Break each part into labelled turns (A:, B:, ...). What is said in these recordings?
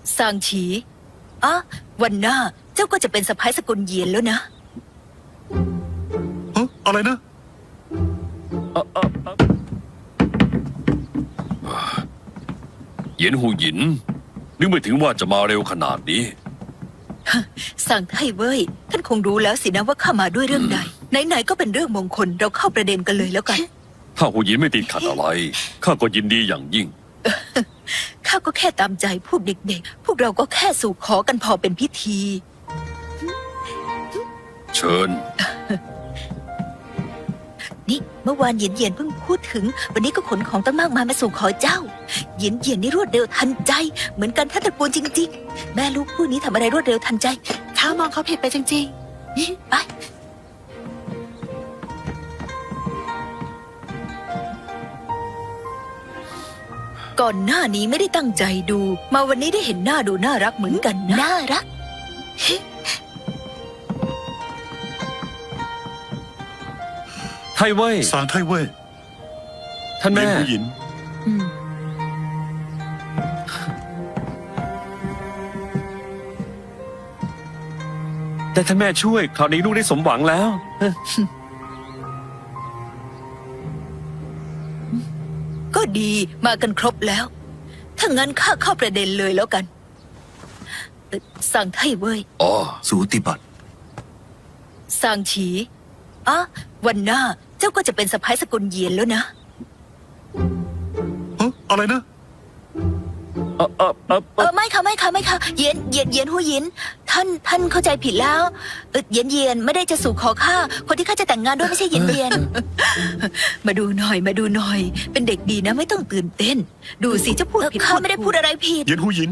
A: ซางฉีอ่ะวันหน้าเจ้าก็จะเป็นสะใภ้สกุลเหยียนแล้วนะ
B: อะไรนะ
C: เหยียนหูหยินนึกไม่ถึงว่าจะมาเร็วขนาดนี้
A: สั่งไทเว่ยท่านคงรู้แล้วสินะว่าข้ามาด้วยเรื่องใดไหนๆก็เป็นเรื่องมงคลเราเข้าประเด็นกันเลยแล้วกัน
C: ถ้าหูหยินไม่ติดขัดอะไรข้าก็ยินดีอย่างยิ่ง
A: ข้าก็แค่ตามใจพวกเด็กๆ พวกเราก็แค่สู่ขอกันพอเป็นพิธี
C: เชิญ
A: นี่เมื่อวานเหยียนเพิ่งพูดถึง วันนี้ก็ขนของตั้งมากมายมาสู่ขอเจ้าเหยียนนี่รวดเร็วทันใจ เหมือนกันท่านตระกูลจริงๆ แม่ลูกคู่นี้ทำอะไรรวดเร็วทันใจข้ามองเขาผิดไปจริงๆไปก่อนหน้านี้ไม่ได้ตั้งใจดู มาวันนี้ได้เห็นหน้าดูน่ารักเหมือนกันนะน่ารัก
C: ไทเว่ย
B: สางไทเว่ย
C: ท่าน
B: เหยี
C: แม่
B: ยนหูหยิน
C: แต่ท่านแม่ช่วยคราวนี้ลูกได้สมหวังแล้ว
A: ก็ดีมากันครบแล้ว ถ้างั้นข้าเข้าประเด็นเลยแล้วกันสั่งไทเว่ย
C: อ๋อ
B: สูติบัติ
A: ซางฉีอ่ะวันหน้าเจ้าก็จะเป็นสะใภ้สกุลเหยียนแล้วนะ
B: อะไรนะ
A: ไม่ค่ะเหยียนหูหยินท่านเข้าใจผิดแล้วเหยียนไม่ได้จะสู่ขอข้าคนที่ข้าจะแต่งงานด้วยไม่ใช่เหยียน มาดูหน่อย เป็นเด็กดีนะไม่ต้องตื่นเต้น ดูสิเจ้าพูดผิดข้าไม่ได้พูดอะไรผิด
B: เหยียนหูหยิน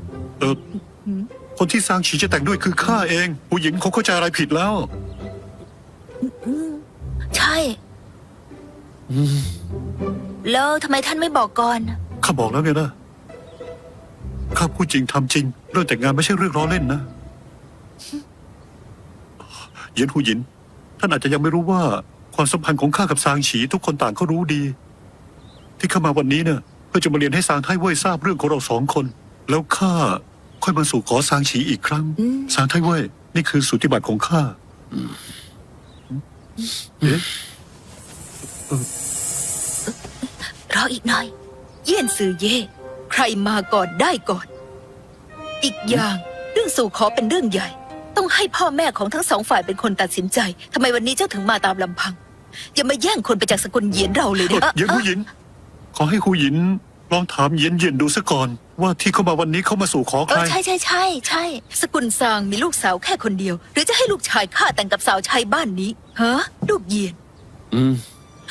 B: คนที่ซางฉีจะแต่งด้วยคือข้าเองหูหยินเขาเข้าใจอะไรผิดแล้ว
A: ใช่แล้วทำไมท่านไม่บอกก่อน
B: ข้าบอกแล้วไงนะ ข้าพูดจริงทำจริง เรื่องแต่งงานไม่ใช่เรื่องล้อเล่นนะ เหยียนหูหยิน ท่านอาจจะยังไม่รู้ว่า ความสัมพันธ์ของข้ากับซางฉีทุกคนต่างก็รู้ดี ที่ข้ามาวันนี้เนี่ยเพื่อจะมาเรียนให้ซางไทเว่ยทราบเรื่องของเราสองคน แล้วข้าค่อยมาสู่ขอซางฉีอีกครั้งซางไทเว่ยนี่คือสูติบัติของข้าเอ๊ะ
A: รออีกหน่อย เยี่ยนซือเย่ใครมาก่อนได้ก่อน อีกอย่างเรื่องสู่ขอเป็นเรื่องใหญ่ ต้องให้พ่อแม่ของทั้งสองฝ่ายเป็นคนตัดสินใจทำไมวันนี้เจ้าถึงมาตามลำพัง อย่ามาแย่งคนไปจากสกุลเหยียนเราเลยนะ
B: เหยียนหูหยิน ขอให้หูหยินลองถามเหยียนเหยียนดูซะก่อน ว่าที่เขามาวันนี้เขามาสู่ขอใคร
A: ใช่สกุลซางมีลูกสาวแค่คนเดียว หรือจะให้ลูกชายข้าแต่งกับสาวใช้บ้านนี้ฮะลูกเหยียน
C: อืม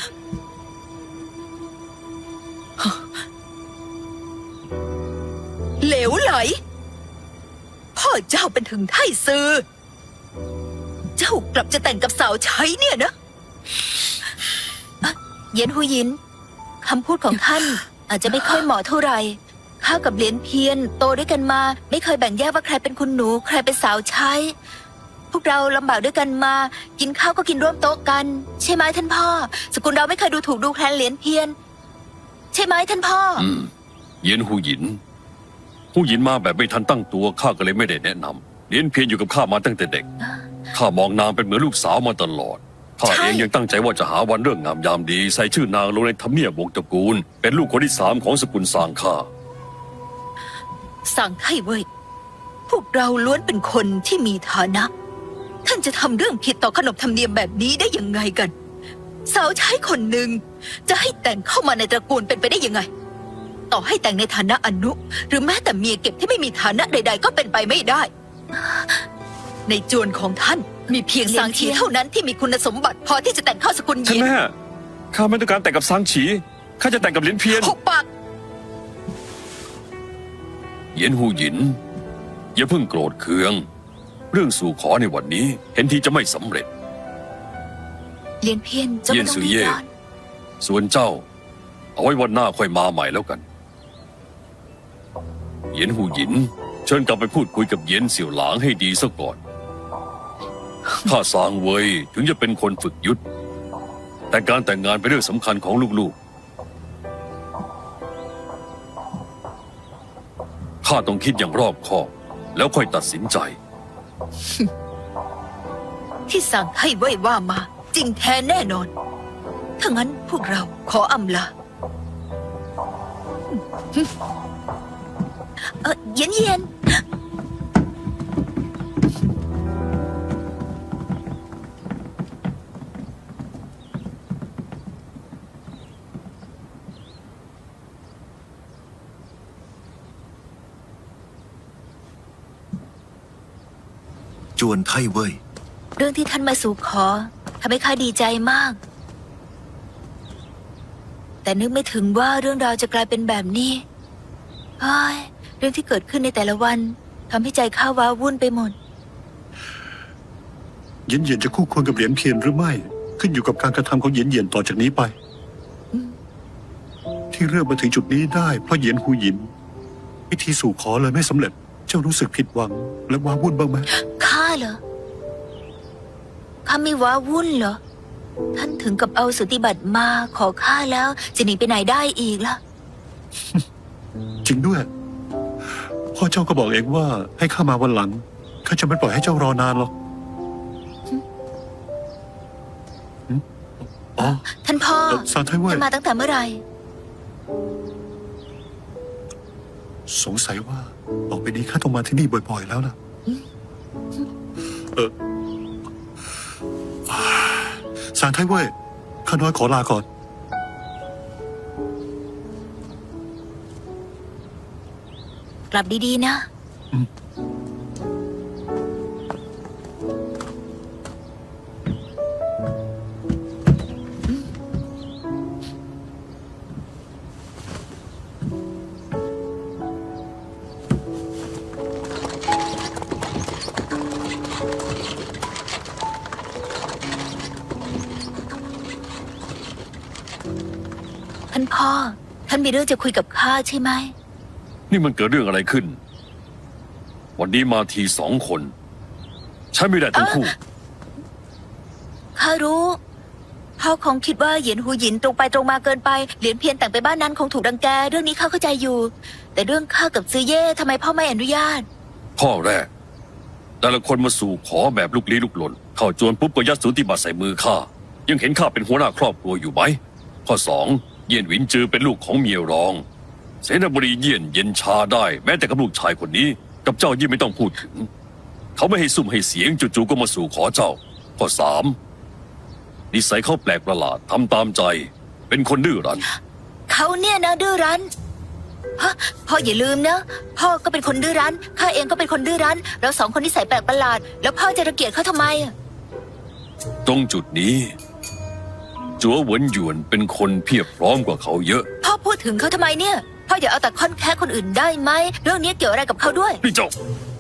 A: เหลวไหล พ่อเจ้าเป็นถึงไท่ซือ เจ้ากลับจะแต่งกับสาวใช้เนี่ยนะเย็นหูยินคำพูดของท่าน อาจจะไม่ค่อยเหมาะเท่าไหร่ข้ากับเหรียญเพียนโตด้วยกันมา ไม่เคยแบ่งแยกว่าใครเป็นคุณหนู ใครเป็นสาวใช้ พวกเราลำบากด้วยกันมา กินข้าวก็กินร่วมโต๊ะกัน ใช่ไหมท่านพ่อ สกุลเราไม่เคยดูถูกดูแคลนเหรียญเพียน ใช่ไหมท่านพ่อ
C: เหยียนหูหยินหูหยินมาแบบไม่ทันตั้งตัวข้าก็เลยไม่ได้แนะนำเรียนเพียรอยู่กับข้ามาตั้งแต่เด็กข้ามองนางเป็นเหมือนลูกสาวมาตลอดข้า
A: ใช่
C: เองยังตั้งใจว่าจะหาวันเรื่องงามยามดี ใส่ชื่อนางลงในทำเนียบวงศ์ตระกูล เป็นลูกคนที่3ของสกุลซางข้า
A: สั่งไท่เว้ย พวกเราล้วนเป็นคนที่มีฐานะ ท่านจะทำเรื่องผิดต่อขนบธรรมเนียมแบบนี้ได้ยังไงกัน สาวใช้คนหนึ่งจะให้แต่งเข้ามาในตระกูลเป็นไปได้ยังไง ต่อให้แต่งในฐานะอนุ หรือแม้แต่เมียเก็บที่ไม่มีฐานะใดๆก็เป็นไปไม่ได้ ในจวนของท่านมีเพียงซางฉีเท่านั้นที่มีคุณสมบัติพอที่จะแต่งเข้าสกุลเห
C: ท่าน
A: ยียน
C: แม่ข้าไม่ต้องการแต่งกับซางฉีข้าจะแต่งกับเหรียญเพียร
A: หุบปาก
C: เหยียนหูหยินอย่าเพิ่งโกรธเคือง เรื่องสู่ขอในวันนี้ เห็นทีจะไม่สำเร็จ
A: เหรียญเพียนเจ้า
C: เยี่
A: ไม่
C: ยน
A: ต้อง
C: ซือ
A: รีบ
C: เย่
A: ร้อน
C: ส่วนเจ้า เอาไว้วันหน้าค่อยมาใหม่แล้วกันเหยียนหูหยิน เชิญกลับไปพูดคุยกับเหยียนเสี่ยวหลางให้ดีซะก่อนข้าซางเวยถึงจะเป็นคนฝึกยุทธแต่การแต่งงานเป็นเรื่องสำคัญของลูกๆข้าข้าต้องคิดอย่างรอบคอบแล้วค่อยตัดสินใจ
A: ที่สั่งให้ไว้ว่ามา จริงแท้แน่นอน ถ้างั้นพวกเราขออำลาเย็นเย็น
D: จวนไทเว่ย
A: เรื่องที่ท่านมาสู่ขอทำให้ข้าดีใจมาก แต่นึกไม่ถึงว่าเรื่องราวจะกลายเป็นแบบนี้เฮ้ยเรื่องที่เกิดขึ้นในแต่ละวันทำให้ใจข้าว้าวุ่นไปหมด
B: เหยียนเหยียนจะคู่ควรกับเหรียญเพียนหรือไม่ ขึ้นอยู่กับการกระทำของเหยียนเหยียนต่อจากนี้ไป
A: อืม
B: ที่เรื่องมาถึงจุดนี้ได้เพราะเหยียนหูหยินพิธีสู่ขอเลยไม่สำเร็จ เจ้ารู้สึกผิดหวัง และว้าวุ่นบ้างไหม
A: ข้าเหรอ ข้าไม่ว้าวุ่นเหรอ ท่านถึงกับเอาสุติบัติมาขอข้าแล้ว จะหนีไปไหนได้อีกล่ะ
B: จริงด้วยพ่อเจ้าก็บอกเองว่าให้ข้ามาวันหลังข้าจะไม่ปล่อยให้เจ้ารอนานหรอกหึอ๋อ
A: ท่านพ่อ
B: ซานไทเว่ย
A: ท่านมาตั้งแต่เมื่อไหร่
B: สงสัยว่าต่อไปนี้ข้าต้องมาที่นี่บ่อยๆแล้วนะซานไทเว่ยข้าน้อยขอลาก่อน
A: กลับดีๆนะ ท่านพ่อ ท่านมีเรื่องจะคุยกับข้าใช่ไหม
C: นี่มันเกิดเรื่องอะไรขึ้น วันนี้มาที2 คนใช้ไม่ได้ทั้งคู่
A: ข้ารู้ พ่อคงคิดว่าเหยียนหูหยินตรงไปตรงมาเกินไป เหรียญเพียนแต่งไปบ้านนั้นคงถูกรังแก เรื่องนี้ข้าเข้าใจอยู่ แต่เรื่องข้ากับซือเย่ทำไมพ่อไม่อนุญาต
C: ข้อแรก แต่ละคนมาสู่ขอแบบลุกลี้ลุกลนเข้าจวนปุ๊บก็ยัดสูติบัตรใส่มือข้ายังเห็นข้าเป็นหัวหน้าครอบครัวอยู่ไหมข้อ 2 เยี่ยนหวินจือเป็นลูกของเมียรอง เสนาบดีเยี่ยนเย็นชาได้แม้แต่กับลูกชายคนนี้ กับเจ้ายิ่งไม่ต้องพูดถึง เขาไม่ให้ซุ่มให้เสียงจู่ๆก็มาสู่ขอเจ้า ข้อ 3 นิสัยเขาแปลกประหลาดทำตามใจ เป็นคนดื้อรั้น
A: เขาเนี่ยนะดื้อรั้นฮะพ่ออย่าลืมนะ พ่อก็เป็นคนดื้อรั้น ข้าเองก็เป็นคนดื้อรั้น เราสองคนนิสัยแปลกประหลาด แล้วพ่อจะรังเกียจเขาทำไมอะ
C: ตรงจุดนี้จัวเหวินหยวนเป็นคนเพียบพร้อมกว่าเขาเยอะ
A: พ่อพูดถึงเขาทำไมเนี่ย พ่ออย่าเอาแต่ค่อนแค่คนอื่นได้ไหม เรื่องนี้เกี่ยวอะไรกับเขาด้วย
C: นี่เจ้า